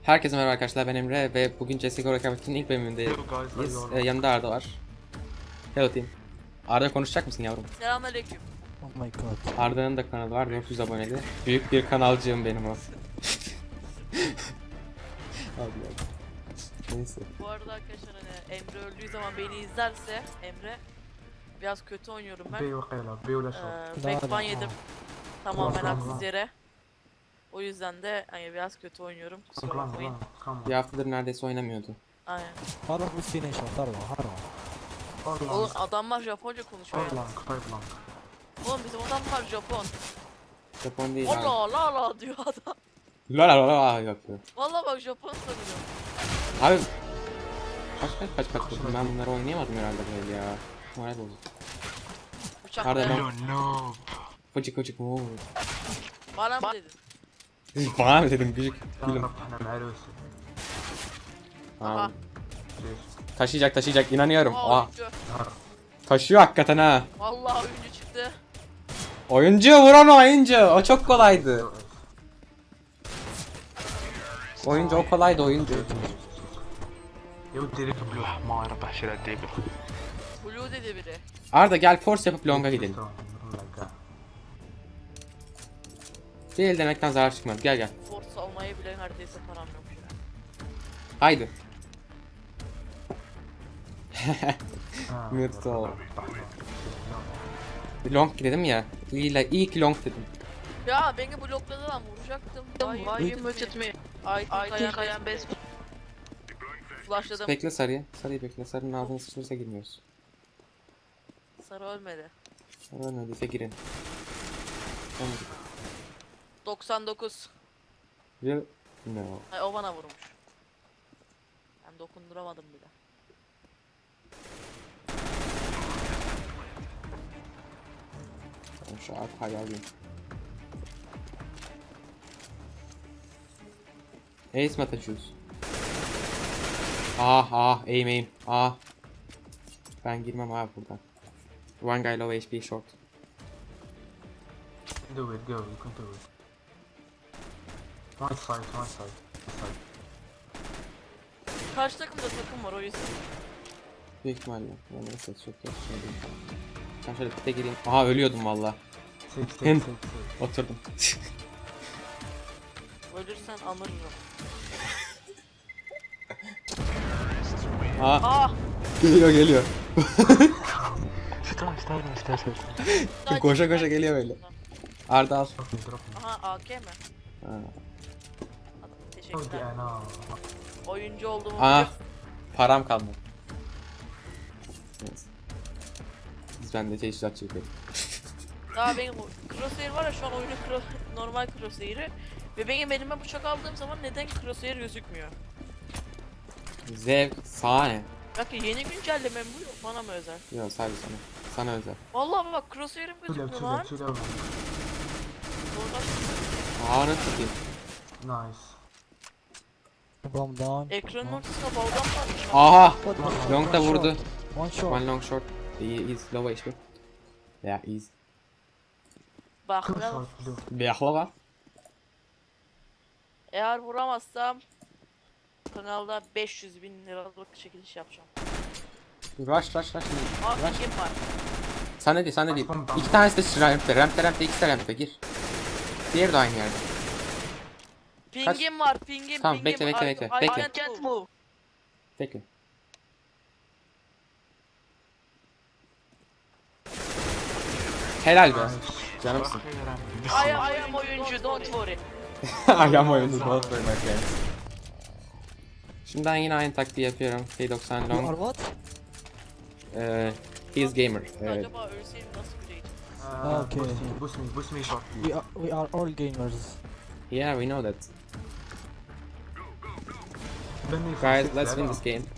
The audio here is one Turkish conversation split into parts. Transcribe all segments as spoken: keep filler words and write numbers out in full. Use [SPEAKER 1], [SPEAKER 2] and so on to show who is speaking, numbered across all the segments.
[SPEAKER 1] Herkese merhaba arkadaşlar, ben Emre ve bugün C S G O Rekabetin ilk bölümündeyiz. Ee, yanımda Arda var. Hello team. Arda konuşacak mısın yavrum?
[SPEAKER 2] Selamünaleyküm.
[SPEAKER 3] Oh my god.
[SPEAKER 1] Arda'nın da kanalı var, dört yüz aboneli. Büyük bir kanalcığım benim o. Abi ya. Neyse.
[SPEAKER 2] Bu arada arkadaşlar hani Emre öldüğü zaman beni izlerse Emre biraz kötü oynuyorum ben.
[SPEAKER 4] بي وقيلة بي ولا شو
[SPEAKER 2] Ee,
[SPEAKER 3] Daha
[SPEAKER 2] backban
[SPEAKER 3] da-
[SPEAKER 2] yedim. Tamamen
[SPEAKER 4] Tamam,
[SPEAKER 2] haksız
[SPEAKER 4] tamam.
[SPEAKER 2] yere. O yüzden de hani biraz kötü oynuyorum. Kusura
[SPEAKER 4] كلام
[SPEAKER 2] bakmayın.
[SPEAKER 4] كلام
[SPEAKER 1] Bir haftadır neredeyse oynamıyordu.
[SPEAKER 2] Aynen.
[SPEAKER 3] هروح بالسينيشن هروح هروح.
[SPEAKER 2] Oğlum adamlar Japonca konuşuyor. ya.
[SPEAKER 4] أورلانك أورلانك
[SPEAKER 2] Oğlum bizim adamlar Japon.
[SPEAKER 1] Japon değil abi.
[SPEAKER 2] Allah la la diyor adam.
[SPEAKER 1] La la la la yapıyor.
[SPEAKER 2] Vallahi bak Japon sanıyorum.
[SPEAKER 1] Abi. Kaç kaç kaç kaç vurdum, ben bunları oynayamadım herhalde böyle ya. Moral bozuk.
[SPEAKER 2] Uçakta.
[SPEAKER 1] Pardon,
[SPEAKER 2] ya.
[SPEAKER 1] ben-
[SPEAKER 4] نو
[SPEAKER 1] Fıcık fıcık ooo.
[SPEAKER 2] Bana mı dedin?
[SPEAKER 1] Bana mı dedim gıcık? Gülüm.
[SPEAKER 4] نعرف احنا مع روسي
[SPEAKER 2] Aha.
[SPEAKER 1] Abi. Taşıyacak taşıyacak inanıyorum.
[SPEAKER 2] Aa,
[SPEAKER 1] Aa,
[SPEAKER 2] oyuncu.
[SPEAKER 4] نهار
[SPEAKER 2] Taşıyor
[SPEAKER 1] hakikaten ha.
[SPEAKER 2] Vallahi oyuncu çıktı.
[SPEAKER 1] Oyuncu vuran oyuncu. O çok kolaydı. Oyuncu o kolaydı oyuncu.
[SPEAKER 4] يا ودي ريك بلو ما ربح شيلات ديك
[SPEAKER 2] Blue dedi biri.
[SPEAKER 1] Arda gel force yapıp longa gidelim. Değil demekten zarar çıkmaz. Gel gel.
[SPEAKER 2] Force almaya bile neredeyse param yok şu an.
[SPEAKER 1] Haydi. Mute ol. Long dedim ya. İyi, la- iyi ki long dedim.
[SPEAKER 2] Ya beni blokladı lan vuracaktım. Why you muted me? I think I am best. Flashladım.
[SPEAKER 1] Bekle sarıyı. Sarıyı bekle. Sarının ağzını sıçrarsa girmiyoruz.
[SPEAKER 2] Sarı ölmedi.
[SPEAKER 1] Sarı ölmediyse girin. Tamam.
[SPEAKER 2] doksan dokuz.
[SPEAKER 1] Real... No.
[SPEAKER 2] Ay o bana vurmuş. Ben dokunduramadım bile.
[SPEAKER 1] Ben şu arkayı alayım. Ace mi atacağız? Ah ah aim aim ah. Ben girmem abi buradan. One guy low H P short.
[SPEAKER 4] Do it go you can do it One side one side one side
[SPEAKER 2] Karşı takımda takım var o yüzden.
[SPEAKER 1] Büyük ihtimalle. Yani nasıl çok yok. Şey değil. Ben şöyle pite gireyim. Aha ölüyordum valla.
[SPEAKER 4] Take take
[SPEAKER 1] Hem-
[SPEAKER 4] take take
[SPEAKER 1] Oturdum.
[SPEAKER 2] Ölürsen anırırım.
[SPEAKER 1] Aa
[SPEAKER 2] Ah!
[SPEAKER 1] geliyor geliyor.
[SPEAKER 4] استنى استنى استنى استنى
[SPEAKER 1] Koşa koşa geliyor böyle. Arda al.
[SPEAKER 4] دروبني دروبني
[SPEAKER 2] Aha A K mi?
[SPEAKER 1] Ha.
[SPEAKER 2] Adam,
[SPEAKER 4] ودي
[SPEAKER 2] teşekkürler.
[SPEAKER 4] انا
[SPEAKER 2] Oyuncu olduğumu
[SPEAKER 1] Ah
[SPEAKER 2] biliyor.
[SPEAKER 1] param kalmadı. Neyse. Biz bende teşhisat çekelim.
[SPEAKER 2] Daha benim crosshair var ya şu an oyunun cro normal crosshair'i. Ve benim elime bıçak aldığım zaman neden crosshair gözükmüyor?
[SPEAKER 1] Zevk sahne.
[SPEAKER 2] Bak ya yeni güncelleme mi bu? Bana mı özel?
[SPEAKER 1] Yok sadece sana. Sana özel.
[SPEAKER 2] Vallahi bak crosshair'im
[SPEAKER 4] تلعب
[SPEAKER 2] gözükmüyor lan.
[SPEAKER 4] تلعب تلعب
[SPEAKER 2] Oradan
[SPEAKER 1] Aa nasıl satayım?
[SPEAKER 4] نايس
[SPEAKER 3] Bomb down.
[SPEAKER 2] ekranın ortasına balgam varmış.
[SPEAKER 1] Aha!
[SPEAKER 3] What the-
[SPEAKER 1] Long da
[SPEAKER 3] one
[SPEAKER 1] vurdu.
[SPEAKER 3] shot, One shot.
[SPEAKER 1] One long short. İyi is low H P. Ya is.
[SPEAKER 2] Bak
[SPEAKER 4] كم
[SPEAKER 2] ben
[SPEAKER 4] شوت بلو
[SPEAKER 1] Beyahlava.
[SPEAKER 2] eğer vuramazsam kanalda beş yüz bin liralık çekiliş yapacağım.
[SPEAKER 1] Rush rush rush.
[SPEAKER 2] Aa
[SPEAKER 1] Rush.
[SPEAKER 2] kim var?
[SPEAKER 1] Sana değil sana değil. İki tanesi de rampte. Rampte rampte ikisi de rampte gir. Diğeri de aynı yerde.
[SPEAKER 2] Pingim var pingim
[SPEAKER 1] Tamam,
[SPEAKER 2] pingim.
[SPEAKER 1] bekle, bekle,
[SPEAKER 2] I-
[SPEAKER 1] bekle,
[SPEAKER 2] I
[SPEAKER 1] bekle.
[SPEAKER 2] can't move.
[SPEAKER 1] Bekle. Helal be. Canımsın.
[SPEAKER 2] I am, I am oyuncu don't worry.
[SPEAKER 1] Ayağım oyundu. Bol koymak yani. Şimdi ben yine aynı taktiği yapıyorum. P doksan
[SPEAKER 3] You are
[SPEAKER 1] long.
[SPEAKER 3] what?
[SPEAKER 1] Eee He's gamer. Evet.
[SPEAKER 2] Acaba ölseyim nasıl güleydim?
[SPEAKER 3] Okay.
[SPEAKER 4] بوس مي بوس مي شوت
[SPEAKER 3] We are we are all gamers.
[SPEAKER 1] Yeah, we know that.
[SPEAKER 4] بني
[SPEAKER 1] Guys, let's win this game.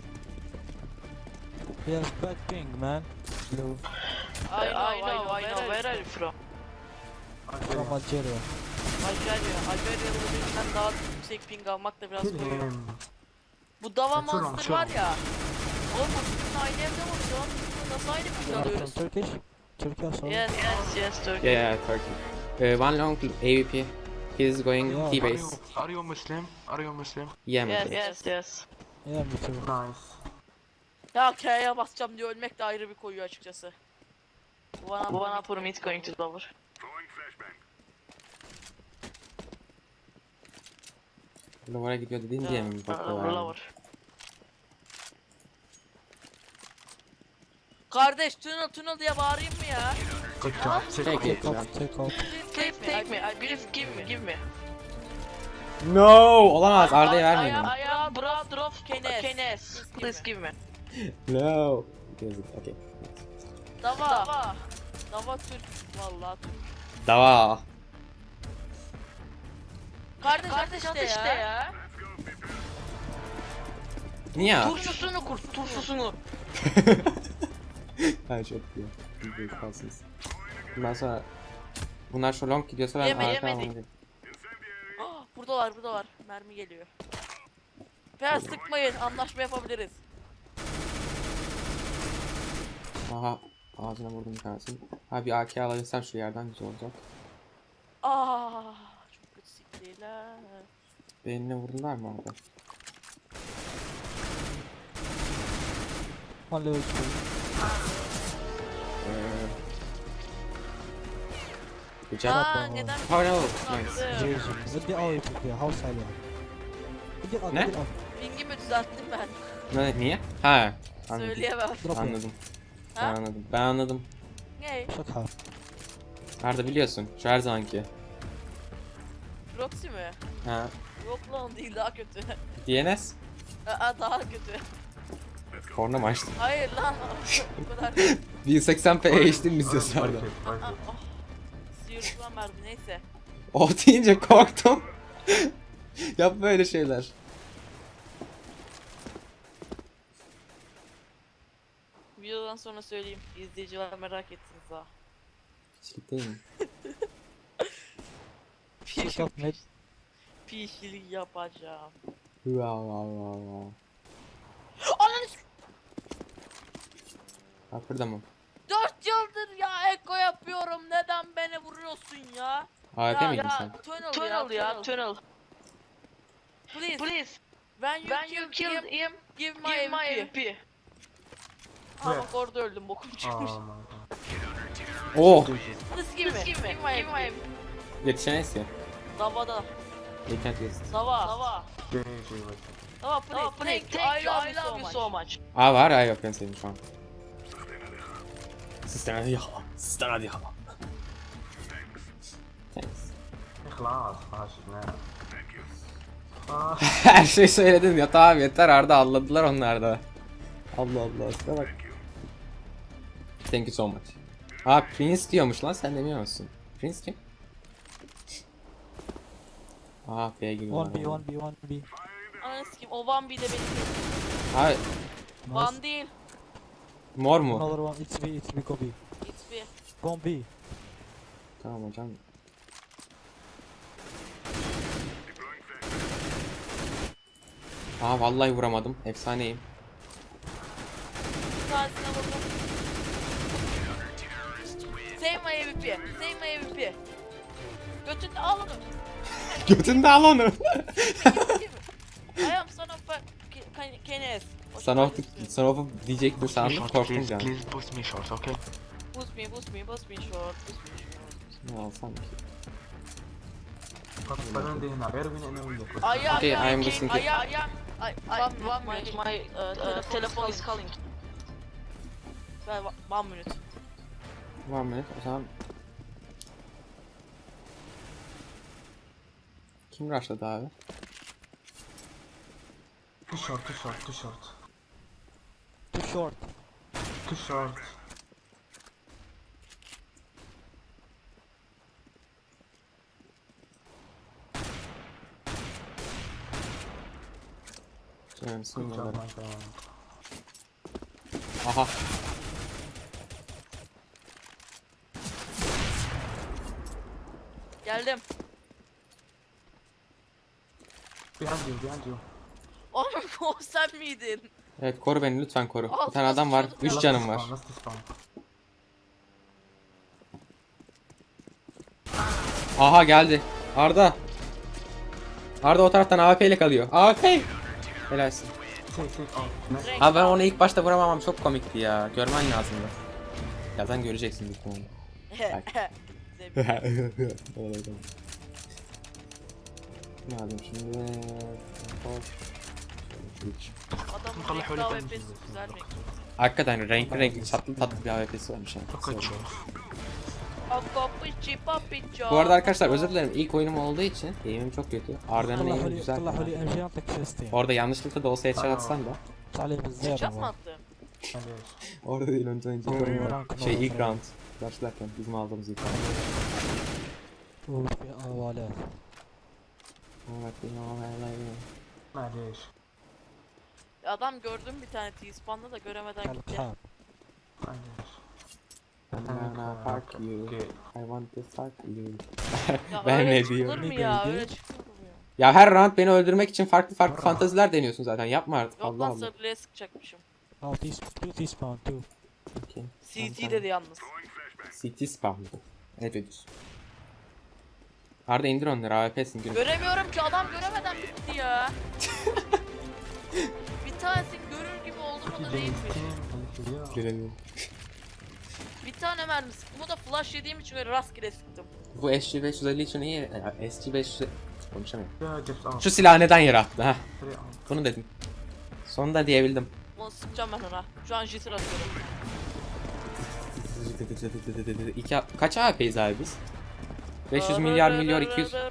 [SPEAKER 3] He has bad ping, man. Blue
[SPEAKER 2] I know, I know, I know. Where are you from?
[SPEAKER 3] from Algeria.
[SPEAKER 2] Algeria. Algeria'lı birinden daha yüksek ping almak da biraz
[SPEAKER 4] Kill
[SPEAKER 2] koyuyor.
[SPEAKER 4] him
[SPEAKER 2] Bu Dava
[SPEAKER 4] Çok çok
[SPEAKER 2] Monster
[SPEAKER 4] çok.
[SPEAKER 2] var ya. Oğlum bu sizin aynı evde mi şu an? Nasıl aynı ping
[SPEAKER 3] You are from
[SPEAKER 2] alıyoruz?
[SPEAKER 3] Turkish? Turkey, sorry.
[SPEAKER 2] Yes, yes, yes, Turkey.
[SPEAKER 1] Yeah, yeah, Turkey. Uh, one long A V P. He's going
[SPEAKER 3] Yeah.
[SPEAKER 1] T
[SPEAKER 4] Are you,
[SPEAKER 1] base.
[SPEAKER 4] are you Muslim? Are you Muslim?
[SPEAKER 1] Yeah,
[SPEAKER 2] Yes
[SPEAKER 1] maybe.
[SPEAKER 2] yes yes.
[SPEAKER 3] Yeah, me too.
[SPEAKER 4] Nice.
[SPEAKER 2] Ya K'ye basacağım diye ölmek de ayrı bir koyuyor açıkçası. One up, one upper mid going to lower.
[SPEAKER 1] Lower'a gidiyor dediğin diye mi
[SPEAKER 2] Uh,
[SPEAKER 1] bakıyorlar?
[SPEAKER 2] lower. Kardeş tunnel tunnel diye bağırayım mı ya?
[SPEAKER 4] Good job. Take
[SPEAKER 1] Take
[SPEAKER 4] it.
[SPEAKER 1] it.
[SPEAKER 3] Take off, take off.
[SPEAKER 2] Please take me. I please give me. Give me.
[SPEAKER 1] No! Olamaz. Arda'ya vermeyin.
[SPEAKER 2] I am, I am brother of Kenes. Kenes. Please give me.
[SPEAKER 1] No. Okay.
[SPEAKER 2] Dava. Dava. Dava Türk. Vallahi Türk.
[SPEAKER 1] Dava.
[SPEAKER 2] Kardeş, Kardeş işte, işte ya. ya.
[SPEAKER 1] Niye?
[SPEAKER 2] Turşusunu kur, turşusunu.
[SPEAKER 1] Ha çok iyi. Büyük kalsınız. Bundan sonra bunlar şu long gidiyorsa ben
[SPEAKER 2] Yeme,
[SPEAKER 1] arka
[SPEAKER 2] yemedik.
[SPEAKER 1] almalıyım.
[SPEAKER 2] Ah, burada var, burada var. Mermi geliyor. Biraz sıkmayın, anlaşma yapabiliriz.
[SPEAKER 1] Aha. Ağzına vurdum bir tanesini. Ha bir A K alabilsem şu yerden güzel olacak.
[SPEAKER 2] Ah, çok kötü siktiler.
[SPEAKER 1] Beynine vurdular mı orada?
[SPEAKER 3] One level two.
[SPEAKER 1] Eee... Güzel.
[SPEAKER 2] Aa, neden?
[SPEAKER 1] Oh no.
[SPEAKER 2] Nice.
[SPEAKER 1] Nice.
[SPEAKER 3] Evasion. With the all people here. How silent? Get up,
[SPEAKER 1] Ne?
[SPEAKER 3] get up.
[SPEAKER 2] Pingimi düzelttim ben.
[SPEAKER 1] Ne, niye? Ha. Anladım.
[SPEAKER 2] Söyleyemem.
[SPEAKER 3] Drop it.
[SPEAKER 1] Anladım. Ben
[SPEAKER 2] Ha?
[SPEAKER 1] anladım. Ben anladım.
[SPEAKER 2] Ne?
[SPEAKER 3] Shut up.
[SPEAKER 1] Arda biliyorsun. Şu her zamanki.
[SPEAKER 2] Proxy mi?
[SPEAKER 1] Ha.
[SPEAKER 2] Yok lan değil, daha kötü.
[SPEAKER 1] D N S.
[SPEAKER 2] Aa, daha kötü.
[SPEAKER 1] Korna mı açtın?
[SPEAKER 2] Hayır lan. O kadar.
[SPEAKER 1] bin seksen p H D mi izliyorsun
[SPEAKER 4] Fight
[SPEAKER 1] Arda?
[SPEAKER 4] it, fight
[SPEAKER 2] Ah,
[SPEAKER 4] it.
[SPEAKER 2] ah. Sıyırtılan verdi, neyse.
[SPEAKER 1] O deyince korktum. Yap böyle şeyler.
[SPEAKER 2] Videodan sonra söyleyeyim. İzleyiciler merak ettiniz ha.
[SPEAKER 1] Hiçlik değil mi?
[SPEAKER 3] Shut up, mate.
[SPEAKER 2] Pişlik yapacağım.
[SPEAKER 1] Wow wow wow wow.
[SPEAKER 2] Ananı s-
[SPEAKER 1] Kapırda mı?
[SPEAKER 2] Dört yıldır ya eko yapıyorum. Neden beni vuruyorsun ya?
[SPEAKER 1] A F
[SPEAKER 2] ya,
[SPEAKER 1] miydin
[SPEAKER 2] ya,
[SPEAKER 1] sen?
[SPEAKER 2] Tunnel, tunnel ya, tunnel. Please, please. When you,
[SPEAKER 5] When you
[SPEAKER 2] killed,
[SPEAKER 5] killed
[SPEAKER 2] him,
[SPEAKER 5] him,
[SPEAKER 2] give my,
[SPEAKER 5] give my
[SPEAKER 2] M
[SPEAKER 5] M
[SPEAKER 2] P.
[SPEAKER 5] P.
[SPEAKER 2] Ha bak orada öldüm, bokum çıkmış.
[SPEAKER 4] Oh my god.
[SPEAKER 1] Oh!
[SPEAKER 2] Please give me,
[SPEAKER 5] Just give me,
[SPEAKER 2] give my
[SPEAKER 5] give my
[SPEAKER 2] M
[SPEAKER 5] M
[SPEAKER 2] P.
[SPEAKER 5] P.
[SPEAKER 1] Yetişemeyiz ki.
[SPEAKER 2] Davada,
[SPEAKER 1] You can't use it.
[SPEAKER 2] dava, dava.
[SPEAKER 4] G G with it.
[SPEAKER 2] Dava please,
[SPEAKER 5] Oh,
[SPEAKER 2] thank,
[SPEAKER 5] thank,
[SPEAKER 2] you,
[SPEAKER 5] thank
[SPEAKER 2] I
[SPEAKER 5] you,
[SPEAKER 2] love,
[SPEAKER 5] I love you so much.
[SPEAKER 1] Aa var ya yok ben sevdim şu an. Sistem hadi ya. Sistem hadi ya. Thanks.
[SPEAKER 4] خلاص ماشي نعم. آه.
[SPEAKER 1] Her şey söyledim ya tamam yeter Arda anladılar onlar da. Allah Allah şuna bak. Thank you so much. Aa Prince diyormuş lan sen demiyor musun? Prince kim? Aa B'ye giriyorlar.
[SPEAKER 3] One B, one B, one B.
[SPEAKER 2] Ananı sikeyim, o Van B'de beni kesti.
[SPEAKER 1] Abi
[SPEAKER 3] Nice.
[SPEAKER 2] Van değil,
[SPEAKER 1] mor mu?
[SPEAKER 3] Another one. It's B, it's B, go B.
[SPEAKER 2] X P.
[SPEAKER 3] Go on B.
[SPEAKER 1] Tamam hocam. Aa vallahi vuramadım. Efsaneyim.
[SPEAKER 2] Bir tanesine vurdum. Save my M V P, save my M V P. Götünde al onu.
[SPEAKER 1] Götünde al onu.
[SPEAKER 2] I am son of a Ke- Kenes.
[SPEAKER 1] Son of, son of diyecektin
[SPEAKER 4] Boost me
[SPEAKER 1] sandım
[SPEAKER 4] short,
[SPEAKER 1] korktum
[SPEAKER 4] please,
[SPEAKER 1] ya.
[SPEAKER 4] please boost me short, okay?
[SPEAKER 2] Boost me, boost me, boost me short, boost me short.
[SPEAKER 1] Ne alsam ki?
[SPEAKER 4] فبعدين دي هنا غير من انه وياك.
[SPEAKER 2] I am,
[SPEAKER 1] Okay, I am
[SPEAKER 2] I
[SPEAKER 1] listening
[SPEAKER 2] am,
[SPEAKER 1] to-
[SPEAKER 2] I am, I am, I, one, one minute, my uh, telephone is calling. Well, one minute.
[SPEAKER 1] One minute o zaman. Kim rushladı abi?
[SPEAKER 4] Too short, too short, too short.
[SPEAKER 3] Too short.
[SPEAKER 4] Too short.
[SPEAKER 1] Canım
[SPEAKER 4] Good
[SPEAKER 1] sinirlendim.
[SPEAKER 4] job, my god.
[SPEAKER 1] Aha.
[SPEAKER 2] Geldim.
[SPEAKER 4] Behind you, behind you.
[SPEAKER 2] Oğlum o sen miydin?
[SPEAKER 1] Evet koru beni lütfen koru.
[SPEAKER 2] Al,
[SPEAKER 1] Bir tane
[SPEAKER 2] al,
[SPEAKER 1] adam var.
[SPEAKER 2] al.
[SPEAKER 1] Üç
[SPEAKER 4] Last
[SPEAKER 1] canım
[SPEAKER 4] spawn,
[SPEAKER 1] var.
[SPEAKER 4] last spawn.
[SPEAKER 1] Aha geldi. Arda. Arda o taraftan A W P ile kalıyor. A W P! Helalsin.
[SPEAKER 4] Take take out. Nice.
[SPEAKER 2] Renk
[SPEAKER 1] Abi ben
[SPEAKER 2] al.
[SPEAKER 1] onu ilk başta vuramamam çok komikti ya. Görmen lazımdı. Birazdan göreceksin büyük ihtimalle.
[SPEAKER 2] Zevkli.
[SPEAKER 1] Ne yapayım şimdi?
[SPEAKER 2] Adamın
[SPEAKER 4] طلع
[SPEAKER 2] renkli
[SPEAKER 4] حوالي
[SPEAKER 2] A W
[SPEAKER 4] بنزين.
[SPEAKER 2] P'si güzel renk.
[SPEAKER 1] Hakikaten renkli renkli tatlı tatlı bir A W P'si varmış ha.
[SPEAKER 4] Kaçıyor.
[SPEAKER 2] Akapiçi papiço.
[SPEAKER 1] Bu arada arkadaşlar özür dilerim ilk oyunum olduğu için eğimim çok kötü. Arda'nın
[SPEAKER 3] طلعوا
[SPEAKER 1] eğimi
[SPEAKER 3] لي
[SPEAKER 1] güzel.
[SPEAKER 3] طلعوا لي ام جي اعطيك فيستين
[SPEAKER 1] Orada yanlışlıkla da olsa headshot atsan da.
[SPEAKER 3] عليه بالزيادة
[SPEAKER 2] Sıçrat mı
[SPEAKER 3] والله.
[SPEAKER 2] attı?
[SPEAKER 4] معليش.
[SPEAKER 1] Orada değil önce önce.
[SPEAKER 3] Rank
[SPEAKER 1] Şey
[SPEAKER 3] oldu.
[SPEAKER 1] ilk round. Başlarken bizim aldığımız ilk round.
[SPEAKER 3] وفي اوالات
[SPEAKER 4] معليش.
[SPEAKER 2] Adam gördüm bir tane T-spawn'da da göremeden gitti.
[SPEAKER 3] القحاب
[SPEAKER 4] معليش.
[SPEAKER 1] I'm gonna fuck you. I want to fuck you.
[SPEAKER 2] Ya
[SPEAKER 1] Ben
[SPEAKER 2] öyle
[SPEAKER 1] ne
[SPEAKER 2] çıkılır
[SPEAKER 1] diyorum?
[SPEAKER 2] mı ya? Öyle çıkılır mı ya?
[SPEAKER 1] Ya her round beni öldürmek için farklı farklı fantaziler deniyorsun zaten. Yapma artık.
[SPEAKER 2] Yok
[SPEAKER 1] Allah
[SPEAKER 2] lan
[SPEAKER 1] Allah.
[SPEAKER 2] sarılıya sıkacakmışım.
[SPEAKER 3] او تي تو تي سباون تو
[SPEAKER 1] Okay.
[SPEAKER 2] C T dedi yalnız.
[SPEAKER 1] C T spam. Evet ediyorsun. Arda indir onları A W P'sin gülüm.
[SPEAKER 2] Göremiyorum ki adam göremeden bitti ya. Bir tanesi görür gibi oldu mu da değilmiş.
[SPEAKER 1] Göremiyorum.
[SPEAKER 2] Bir tane mermi sıktım. O da flash yediğim için öyle rastgele sıktım.
[SPEAKER 1] Bu S G beş yüz elli için iyi. Ya, S G beş yüz konuşamıyorum.
[SPEAKER 4] يا جبت اوت.
[SPEAKER 1] Şu silahı neden yere attı ha?
[SPEAKER 4] Three out.
[SPEAKER 1] Bunu dedim. Sonunda diyebildim.
[SPEAKER 2] Onu sıkacağım ben ona. Şu an jisir atıyorum.
[SPEAKER 1] İki, kaç A W P'yiz abi biz? beş yüz milyar milyar iki yüz.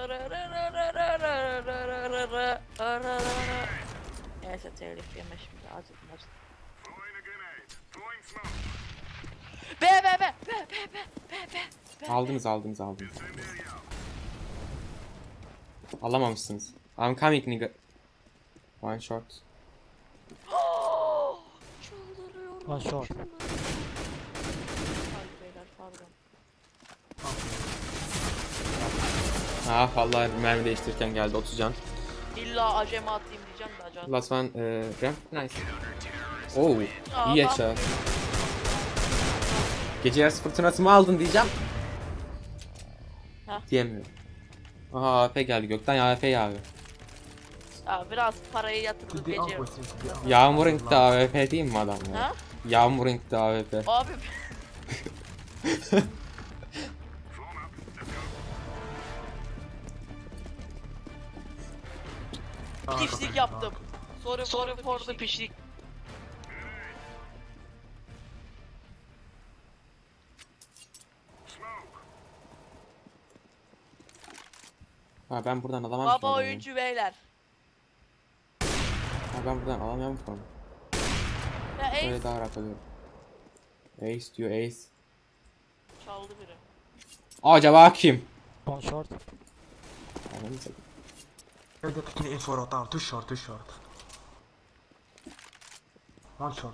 [SPEAKER 2] Neyse telif yeme şimdi acıdım acıdım. Be be be be be be be be.
[SPEAKER 1] Aldınız aldınız aldınız. Alamamışsınız. I'm coming nigga. One shot.
[SPEAKER 2] Çıldırıyorum.
[SPEAKER 3] وان شوت
[SPEAKER 2] çıldırıyorum. Hadi beyler pardon.
[SPEAKER 1] Ah vallahi mermi değiştirirken geldi otuz can.
[SPEAKER 2] İlla acemi atayım diyeceğim de acaba.
[SPEAKER 1] Last one e, ramp nice. Oo
[SPEAKER 2] Aa,
[SPEAKER 1] iyi
[SPEAKER 2] ben-
[SPEAKER 1] yaşa. Gece yarısı fırtınası mı aldın diyeceğim.
[SPEAKER 2] Heh.
[SPEAKER 1] Diyemiyorum. Aha A W P geldi gökten A W P yağıyor.
[SPEAKER 2] Ya biraz parayı yatırdık
[SPEAKER 4] Three
[SPEAKER 2] gece.
[SPEAKER 4] out boys, three out.
[SPEAKER 1] Yağmur'un da A W P değil mi adam ya?
[SPEAKER 2] Ha?
[SPEAKER 1] Yağmur'un da A W P.
[SPEAKER 2] Abi
[SPEAKER 4] Ah,
[SPEAKER 2] pişlik
[SPEAKER 4] okay.
[SPEAKER 2] yaptım. Sorry sorry for the pişlik.
[SPEAKER 1] Ha ben buradan alamam ki
[SPEAKER 2] Baba
[SPEAKER 1] adamı.
[SPEAKER 2] oyuncu beyler.
[SPEAKER 1] Ha ben buradan alamıyorum ki onu.
[SPEAKER 2] Ya
[SPEAKER 1] Böyle
[SPEAKER 2] Ace
[SPEAKER 1] daha rahat alıyorum. Ace diyor Ace.
[SPEAKER 2] çaldı biri.
[SPEAKER 1] Acaba kim?
[SPEAKER 3] وان شورت
[SPEAKER 1] Ananı satayım.
[SPEAKER 4] Yeah, they're taking it for a tower. Too short, too short. One short.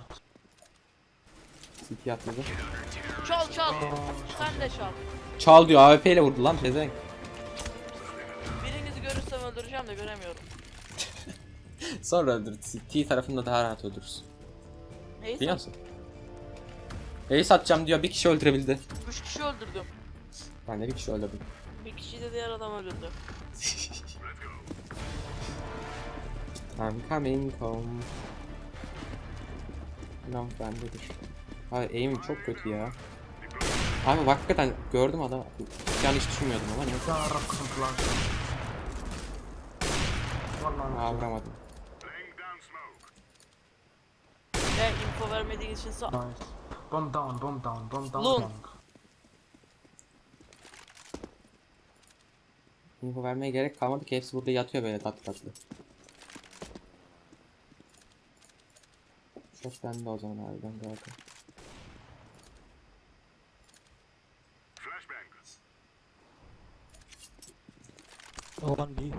[SPEAKER 1] C T atladı.
[SPEAKER 2] Çal çal. Sen de çal.
[SPEAKER 1] Çal diyor A W P ile vurdu lan pezevenk.
[SPEAKER 2] Birinizi görürsem öldüreceğim de göremiyorum.
[SPEAKER 1] Sonra öldür. T tarafında daha rahat öldürürsün.
[SPEAKER 2] Neyse.
[SPEAKER 1] Biliyor musun? Ace atacağım diyor bir kişi öldürebildi.
[SPEAKER 2] Üç kişi öldürdüm.
[SPEAKER 1] Ben de bir kişi öldürdüm.
[SPEAKER 2] Bir kişi de diğer adam öldürdü.
[SPEAKER 1] I'm coming home. Long bendedir. Abi aim çok kötü ya. Abi bak hakikaten gördüm adam. Yani hiç düşünmüyordum ama ne?
[SPEAKER 4] يا رب قسم فلاش. والله
[SPEAKER 1] Aa
[SPEAKER 4] أنا-
[SPEAKER 1] vuramadım.
[SPEAKER 2] Ve info vermediğin için sağ...
[SPEAKER 4] Nice. Bomb down, bomb down, bomb down.
[SPEAKER 2] Loon.
[SPEAKER 4] long.
[SPEAKER 1] Info vermeye gerek kalmadı ki hepsi burada yatıyor böyle tatlı tatlı. Çok bende o zaman abi ben de bakayım.
[SPEAKER 3] وان بي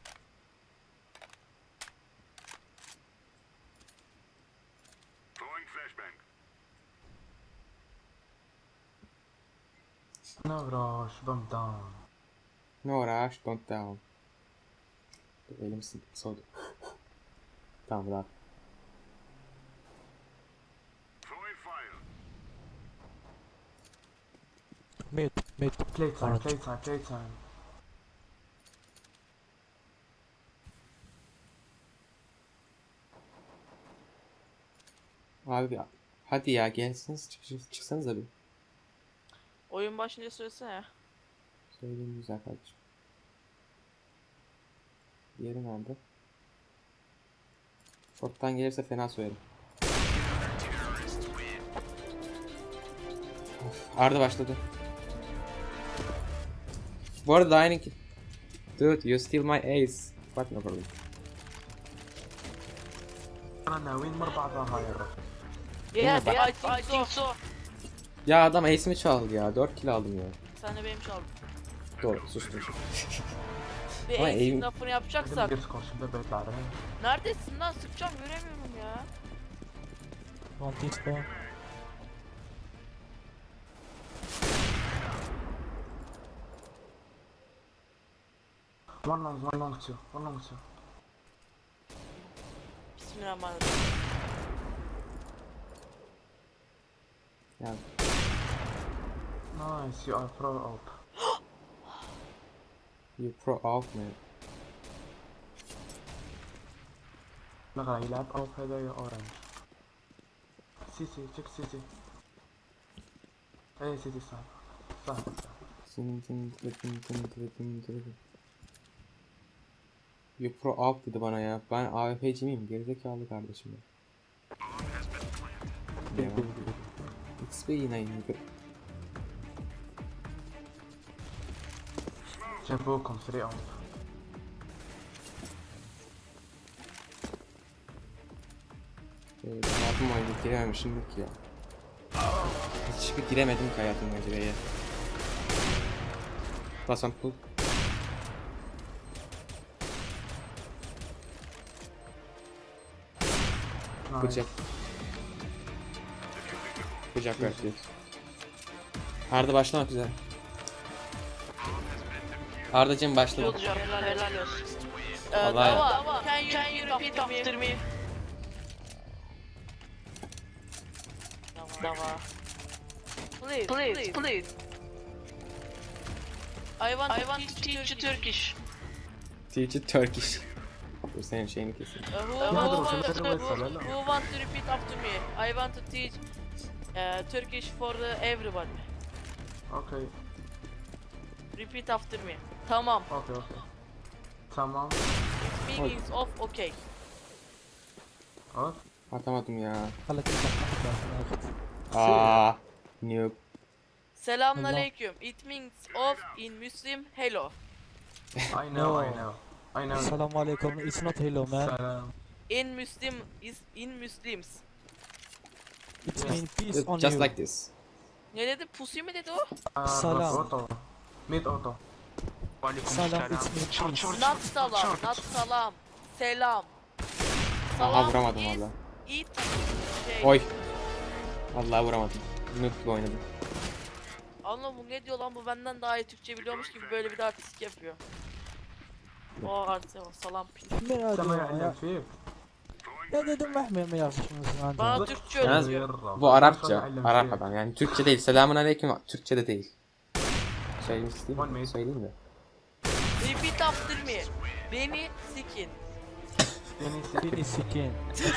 [SPEAKER 4] No rush, bomb down.
[SPEAKER 1] No rush, don't down. Dur, elim sı- soğudu. Tamam rahat.
[SPEAKER 3] ميد ميد
[SPEAKER 4] Playtime,
[SPEAKER 3] Alright.
[SPEAKER 4] playtime, playtime.
[SPEAKER 1] Abi ya. Hadi ya gelsiniz çık, çık- çıksanız abi.
[SPEAKER 2] Oyun başınca söylesene ya.
[SPEAKER 1] Söyleyeyim güzel kardeşim. Diğeri nerede? Short'tan gelirse fena söylerim. Of, Arda başladı. Bu arada aynı ki. Dude, you steal my ace. But no problem.
[SPEAKER 4] انا ناويين مربع ظهاير.
[SPEAKER 2] Yes,
[SPEAKER 1] bak-
[SPEAKER 2] I think so.
[SPEAKER 1] Ya adam ace'imi çaldı ya. dört kill aldım ya.
[SPEAKER 2] Sen de benim çaldın.
[SPEAKER 1] Doğru sustum.
[SPEAKER 2] Bir
[SPEAKER 1] Ama
[SPEAKER 2] ace'in
[SPEAKER 1] eğim-
[SPEAKER 2] lafını
[SPEAKER 4] بدي
[SPEAKER 2] yapacaksak.
[SPEAKER 4] ندير سكور شباب بيطلع عليه.
[SPEAKER 2] Neredesin lan? Sıkacağım göremiyorum ya.
[SPEAKER 3] One team spawn.
[SPEAKER 4] One long, one long two, one long two.
[SPEAKER 2] Bismillahirrahmanirrahim.
[SPEAKER 1] Ya
[SPEAKER 4] Nice, you are pro out.
[SPEAKER 1] you pro out man.
[SPEAKER 4] لا يلعب اوف هذايا اورنج. سيتي تشيك سيتي. اي سيتي صح. صح صح.
[SPEAKER 1] Tin tin tin tin tin tin tin. You pro out dedi bana ya. Ben A W P'ci miyim? Gerizekalı kardeşim ya. Ya. X P yine indi.
[SPEAKER 4] جابوكم ثري اوف.
[SPEAKER 1] Evet, hayatım boyunca girememişim ki ya. Hiçbir giremedim ki hayatım boyunca B'ye. Basan pull. Bıçak. Bıçak bırakıyor. Arda başlamak üzere. Arda'cığım başladı.
[SPEAKER 2] Olacağım. Helal, helal olsun. Ee,
[SPEAKER 1] Vallahi-
[SPEAKER 2] Dava, can you, can you repeat after me? Dava. Please, please, please. I want, I want to teach you Turkish.
[SPEAKER 1] Teacher Turkish. Dur senin şeyini keseyim.
[SPEAKER 2] Uh, who,
[SPEAKER 4] Ya,
[SPEAKER 2] who,
[SPEAKER 4] dur,
[SPEAKER 2] who,
[SPEAKER 4] sen de
[SPEAKER 2] who,
[SPEAKER 4] söyle,
[SPEAKER 2] who,
[SPEAKER 4] lan.
[SPEAKER 2] who want to repeat after me? I want to teach uh, Turkish for the everybody.
[SPEAKER 4] اوكي
[SPEAKER 2] Repeat after me. Tamam.
[SPEAKER 4] اوكي اوكي. تمام.
[SPEAKER 2] It means of okay.
[SPEAKER 4] اوف.
[SPEAKER 1] Atamadım ya.
[SPEAKER 3] خلك تفتح
[SPEAKER 1] Aa, noob.
[SPEAKER 2] Selamun aleyküm. It means of in Muslim hello.
[SPEAKER 4] I know I know. I know.
[SPEAKER 3] السلام عليكم. It's not hello man.
[SPEAKER 4] سلام.
[SPEAKER 2] In Muslim is in Muslims.
[SPEAKER 3] It means peace on
[SPEAKER 1] Just
[SPEAKER 3] you.
[SPEAKER 1] like this.
[SPEAKER 2] Ne dedi? Pussy mi dedi o?
[SPEAKER 4] آه،
[SPEAKER 3] سلام.
[SPEAKER 4] اوتو. ميت اوتو. وعليكم
[SPEAKER 3] سلام it's me
[SPEAKER 4] شورت
[SPEAKER 3] peace.
[SPEAKER 4] شورت
[SPEAKER 2] Not salam, not salam. Selam.
[SPEAKER 1] Aha vuramadım
[SPEAKER 2] is
[SPEAKER 1] valla.
[SPEAKER 2] It şey.
[SPEAKER 1] Oy. Vallahi vuramadım. Noob gibi oynadım.
[SPEAKER 2] Allah bu ne diyor lan, bu benden daha iyi Türkçe biliyormuş gibi böyle bir de artistik yapıyor. O artık salam pil.
[SPEAKER 3] من هذا
[SPEAKER 4] سما
[SPEAKER 3] يا
[SPEAKER 4] يعلم فيك.
[SPEAKER 3] يا ده دم احمر ما يعرفش من
[SPEAKER 2] Bana
[SPEAKER 3] عنده.
[SPEAKER 2] Türkçe
[SPEAKER 1] Yalnız
[SPEAKER 2] öğretiyor.
[SPEAKER 1] bu Arapça. Arap adam yani Türkçe değil. Selamun aleyküm Türkçe de değil. Söylemek isteyeyim mi? Söyleyeyim de.
[SPEAKER 2] Repeat after me. Beni sikin.
[SPEAKER 3] بيني سكين.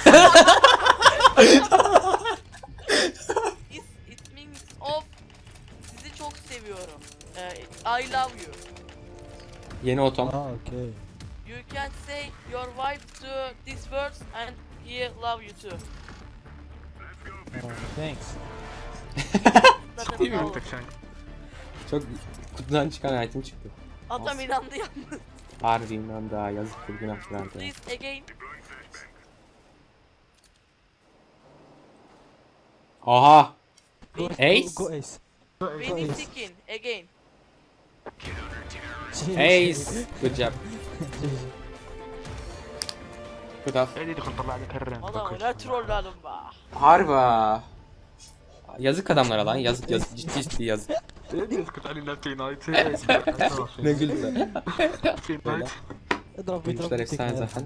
[SPEAKER 2] It, it means of sizi çok seviyorum. Eh, I love you.
[SPEAKER 1] Yeni otom.
[SPEAKER 3] اه اوكي.
[SPEAKER 2] You can say your wife to these words and he love you too.
[SPEAKER 3] ثانكس.
[SPEAKER 2] Zaten
[SPEAKER 1] Değil mi?
[SPEAKER 2] tamam.
[SPEAKER 1] Çok kutudan çıkan item çıktı.
[SPEAKER 2] Adam inandı yalnız.
[SPEAKER 1] Harbiden daha yazıktır günahtır Arda.
[SPEAKER 2] Please again.
[SPEAKER 1] Aha.
[SPEAKER 3] Go
[SPEAKER 1] Ace.
[SPEAKER 3] Go ace.
[SPEAKER 2] Beni
[SPEAKER 3] Ace.
[SPEAKER 2] sikin again.
[SPEAKER 1] Ace. Good job. Good off.
[SPEAKER 4] هذه دخل طلع لك الرن.
[SPEAKER 2] Adam ne trollerim be.
[SPEAKER 1] Harba. Yazık adamlara lan. Yazık yazık. Ciddi ciddi yazık.
[SPEAKER 4] هذه اسكت علينا في نايت.
[SPEAKER 1] Ne güldü.
[SPEAKER 4] في نايت.
[SPEAKER 3] اضرب
[SPEAKER 1] Oyuncular
[SPEAKER 3] بيضرب
[SPEAKER 1] efsane zaten.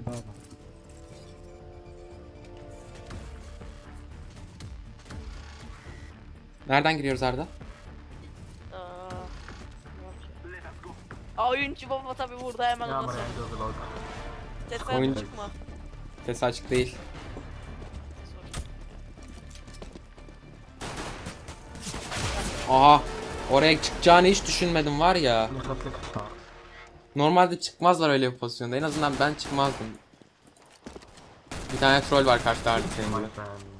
[SPEAKER 1] Nereden giriyoruz Arda?
[SPEAKER 2] Aa, Aa, oyuncu baba tabi burada hemen
[SPEAKER 4] يا
[SPEAKER 2] ona
[SPEAKER 4] مرة
[SPEAKER 2] sordu.
[SPEAKER 4] عنده غلط.
[SPEAKER 2] Tesadüf
[SPEAKER 1] Oyuncu-
[SPEAKER 2] çıkma.
[SPEAKER 1] Ses açık değil. Aha. Oraya çıkacağını hiç düşünmedim var ya.
[SPEAKER 4] اللي خلف لك ستار.
[SPEAKER 1] Normalde çıkmazlar öyle bir pozisyonda. En azından ben çıkmazdım. Bir tane troll var karşıda artık senin gibi.
[SPEAKER 4] My friend.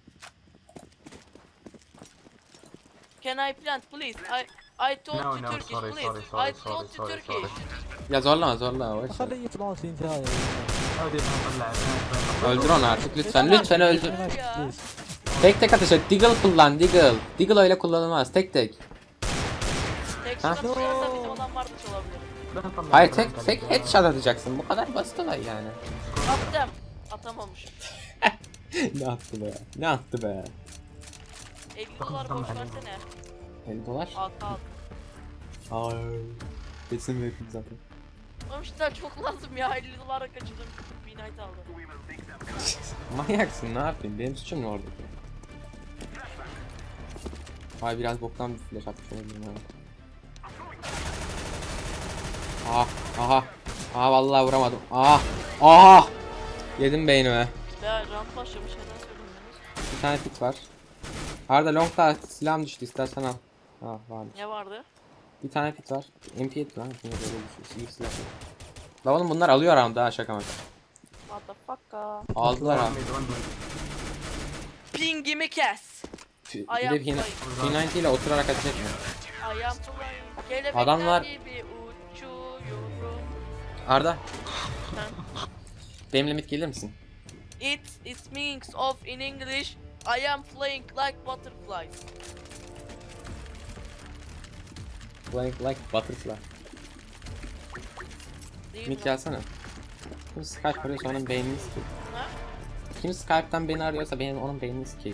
[SPEAKER 2] Can I plant please? I I told
[SPEAKER 4] No,
[SPEAKER 2] you
[SPEAKER 4] no,
[SPEAKER 2] Turkish
[SPEAKER 4] sorry,
[SPEAKER 2] please.
[SPEAKER 4] sorry, sorry,
[SPEAKER 2] I told
[SPEAKER 4] sorry,
[SPEAKER 2] you
[SPEAKER 4] sorry,
[SPEAKER 2] Turkish.
[SPEAKER 4] sorry.
[SPEAKER 1] Ya zorlama zorlama. boş ver.
[SPEAKER 3] خليه يطلع في انتهاء.
[SPEAKER 4] هودي نطلع.
[SPEAKER 1] Öldür onu artık lütfen. Lütfen öldür.
[SPEAKER 2] Ya.
[SPEAKER 1] Tek tek ateş et. Deagle kullan. Deagle. Deagle öyle kullanılmaz. Tek tek.
[SPEAKER 2] Tek
[SPEAKER 1] Ha?
[SPEAKER 2] şuna tutarsa bizim adam varmış olabilir.
[SPEAKER 1] Hayır tek tek headshot atacaksın. Bu kadar basit olay yani.
[SPEAKER 2] Attım. Atamamış.
[SPEAKER 1] Ne attı be? Ne attı be?
[SPEAKER 2] elli dolar boş versene.
[SPEAKER 1] elli dolar?
[SPEAKER 2] Al al.
[SPEAKER 1] Hayır. Kesin verdim zaten.
[SPEAKER 2] Oğlum işte çok lazım ya. elli dolara kaçırdım. Bir night aldım.
[SPEAKER 1] Manyaksın ne yapayım? Benim suçum ne oradaki? Vay biraz boktan bir flash atmış olabilirim yani. Aha, aha. Aha vallahi vuramadım. Aha. Aha. Yedim beynime.
[SPEAKER 2] Ya round başlamış. Neden söylemediniz?
[SPEAKER 1] Bir tane pit var. Arda long'da silahım düştü istersen al. Ha vardı.
[SPEAKER 2] Ne vardı?
[SPEAKER 1] Bir tane pit var. M P yedi lan. Yine böyle bir şey. İyi silah. La oğlum bunlar alıyor round'da ha şaka maka.
[SPEAKER 2] What the fuck ya?
[SPEAKER 1] Aldılar ha.
[SPEAKER 2] Pingimi kes.
[SPEAKER 1] Bir
[SPEAKER 2] Ayağım
[SPEAKER 1] de P
[SPEAKER 2] flying.
[SPEAKER 1] ninety ile oturarak ateş etme.
[SPEAKER 2] Ayağım flying. Kelebekler
[SPEAKER 1] Adamlar-
[SPEAKER 2] gibi uçuyorum.
[SPEAKER 1] Arda.
[SPEAKER 2] Ha?
[SPEAKER 1] Benimle mid gelir misin?
[SPEAKER 2] It it means of in English I am flying like butterflies.
[SPEAKER 1] Like like butterfly.
[SPEAKER 2] Değil
[SPEAKER 1] Mid
[SPEAKER 2] mi?
[SPEAKER 1] gelsene. Kim Skype arıyorsa onun beynini sikeyim.
[SPEAKER 2] Ha?
[SPEAKER 1] Kim Skype'tan beni arıyorsa benim onun beynini sikeyim.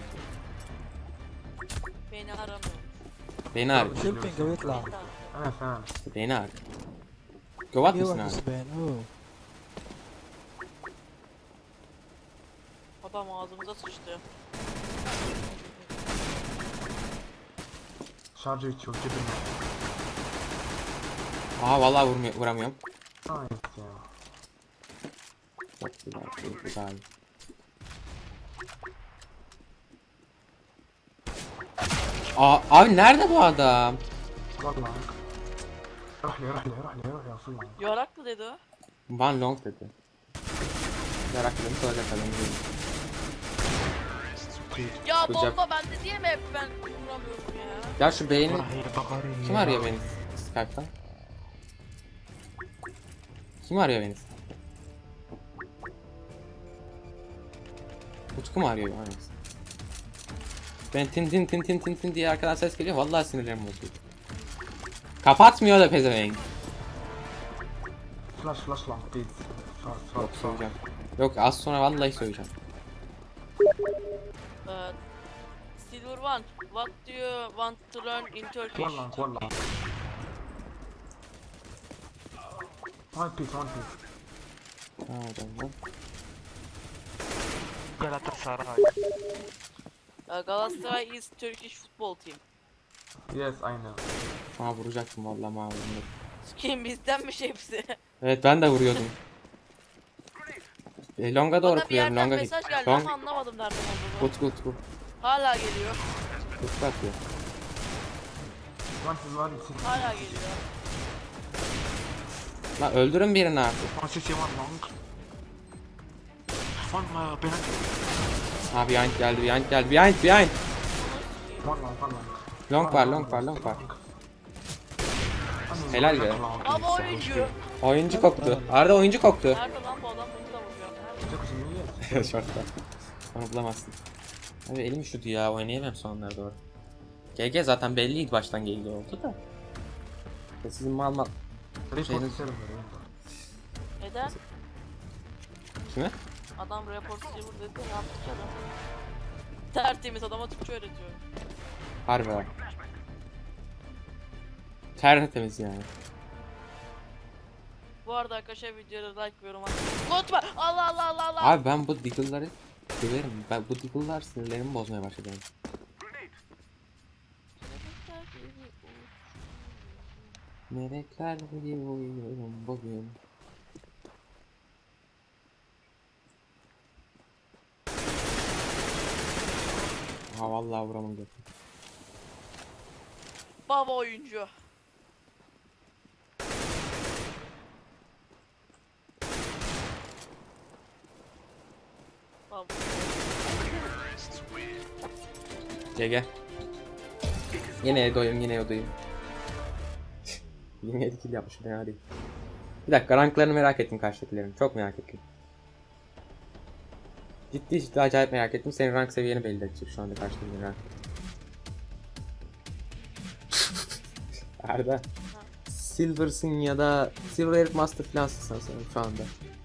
[SPEAKER 2] Beni aramıyor.
[SPEAKER 1] Beni arıyor.
[SPEAKER 3] شو البينج ويطلع.
[SPEAKER 4] انا فاهم.
[SPEAKER 1] İşte beni arıyor. Govat
[SPEAKER 3] في
[SPEAKER 1] mısın
[SPEAKER 3] واحد
[SPEAKER 1] abi?
[SPEAKER 3] سبين اوه.
[SPEAKER 2] Adam ağzımıza sıçtı.
[SPEAKER 4] شارجي تشوف جبنا.
[SPEAKER 1] Aha vallahi vurmuyor, vuramıyorum.
[SPEAKER 4] نايس يا.
[SPEAKER 1] Çok güzel, çok güzel. Aa, abi nerede bu adam?
[SPEAKER 4] والله. روح لي روح لي روح لي روح لي اوصل له.
[SPEAKER 2] Yorak mı dedi o?
[SPEAKER 1] Van Long dedi. Merak ediyorum, soracak adam değil.
[SPEAKER 2] Ya
[SPEAKER 1] Sıcak.
[SPEAKER 2] bomba bende diye mi hep ben vuramıyorum ya?
[SPEAKER 1] Ya şu beyni...
[SPEAKER 4] هي بقرية.
[SPEAKER 1] Kim arıyor beni Skype'tan? Kim arıyor beni? Utku mu arıyor? Hangisi? Ben tin tin tin tin tin tin diye arkadan ses geliyor. Vallahi sinirlerim bozuldu. Kapatmıyor da pezevenk.
[SPEAKER 4] فلاش فلاش لونج بليز. شارج
[SPEAKER 1] Yok
[SPEAKER 4] شارج شارج.
[SPEAKER 1] söyleyeceğim. Yok az sonra vallahi söyleyeceğim.
[SPEAKER 2] Ee, Silver One, what do you want to learn in Turkish?
[SPEAKER 4] والله والله. وان بيس وان بيس.
[SPEAKER 1] Ha adam
[SPEAKER 4] Galatasaray.
[SPEAKER 2] Uh, Galatasaray is Turkish football team.
[SPEAKER 4] Yes, I know.
[SPEAKER 1] Ha vuracaktım vallahi mavi.
[SPEAKER 2] Kim bizdenmiş hepsi?
[SPEAKER 1] Evet ben de vuruyordum. E, longa doğru
[SPEAKER 2] Bana bir
[SPEAKER 1] kuruyorum.
[SPEAKER 2] yerden
[SPEAKER 1] Longa
[SPEAKER 2] mesaj
[SPEAKER 1] git.
[SPEAKER 2] geldi
[SPEAKER 1] Long.
[SPEAKER 2] ama anlamadım nereden olduğunu.
[SPEAKER 1] Utku Utku.
[SPEAKER 2] Hala geliyor.
[SPEAKER 1] Utku atıyor.
[SPEAKER 4] One is one city.
[SPEAKER 2] Hala geliyor.
[SPEAKER 1] La öldürün birini artık.
[SPEAKER 4] One city, one long. One uh, penalty.
[SPEAKER 1] Ha behind geldi behind geldi behind behind.
[SPEAKER 4] One long, one long.
[SPEAKER 1] Long var long var long var. Helal be.
[SPEAKER 2] Ama oyuncu.
[SPEAKER 1] Oyuncu koktu. Arda oyuncu koktu.
[SPEAKER 2] Nerede lan bu adam bunu da vuruyor. Nerede?
[SPEAKER 1] Şortta. Onu bulamazsın. Abi elim üşüdü ya oynayamam sonlara doğru. G G zaten belliydi baştan G G oldu da. Ya sizin mal mal. Şeyiniz-
[SPEAKER 2] Neden?
[SPEAKER 1] Kime?
[SPEAKER 2] Adam report server dedi ne yaptık ki adam? Tertemiz adama Türkçe öğretiyor.
[SPEAKER 1] Harbi bak. Tertemiz yani.
[SPEAKER 2] Bu arada arkadaşlar videoya like ve yorum atmayı unutma. Allah Allah Allah Allah.
[SPEAKER 1] Abi ben bu diggle'ları severim. Ben bu diggle'lar sinirlerimi bozmaya başladı. Yani. Melekler gibi uyuyorum bugün. Ha vallahi vuramam götüm.
[SPEAKER 2] Baba oyuncu. Baba.
[SPEAKER 1] Gel gel. Yine Edo'yum, yine Edo'yum. yirmi yedi kill yapmışım, fena değil. Bir dakika, ranklarını merak ettim karşıdakilerin. Çok merak ettim. Ciddi ciddi acayip merak ettim. Senin rank seviyeni belli edecek şu anda karşıdakilerin rank. Arda. Silver'sın ya da Silver Elite Master fansın sanırım şu anda.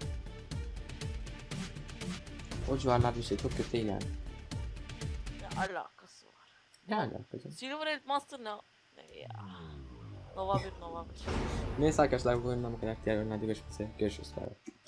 [SPEAKER 1] O civarlarda bir şey, çok kötü değil yani.
[SPEAKER 2] Ne alakası var?
[SPEAKER 1] Ne alaka canım?
[SPEAKER 2] Silver Elite Master ne? Ne ya? Nova bir Nova bir.
[SPEAKER 1] Neyse arkadaşlar, bu oyundan bu kadar. Diğer oyunlarda görüşmek üzere. Görüşürüz. Bye bye.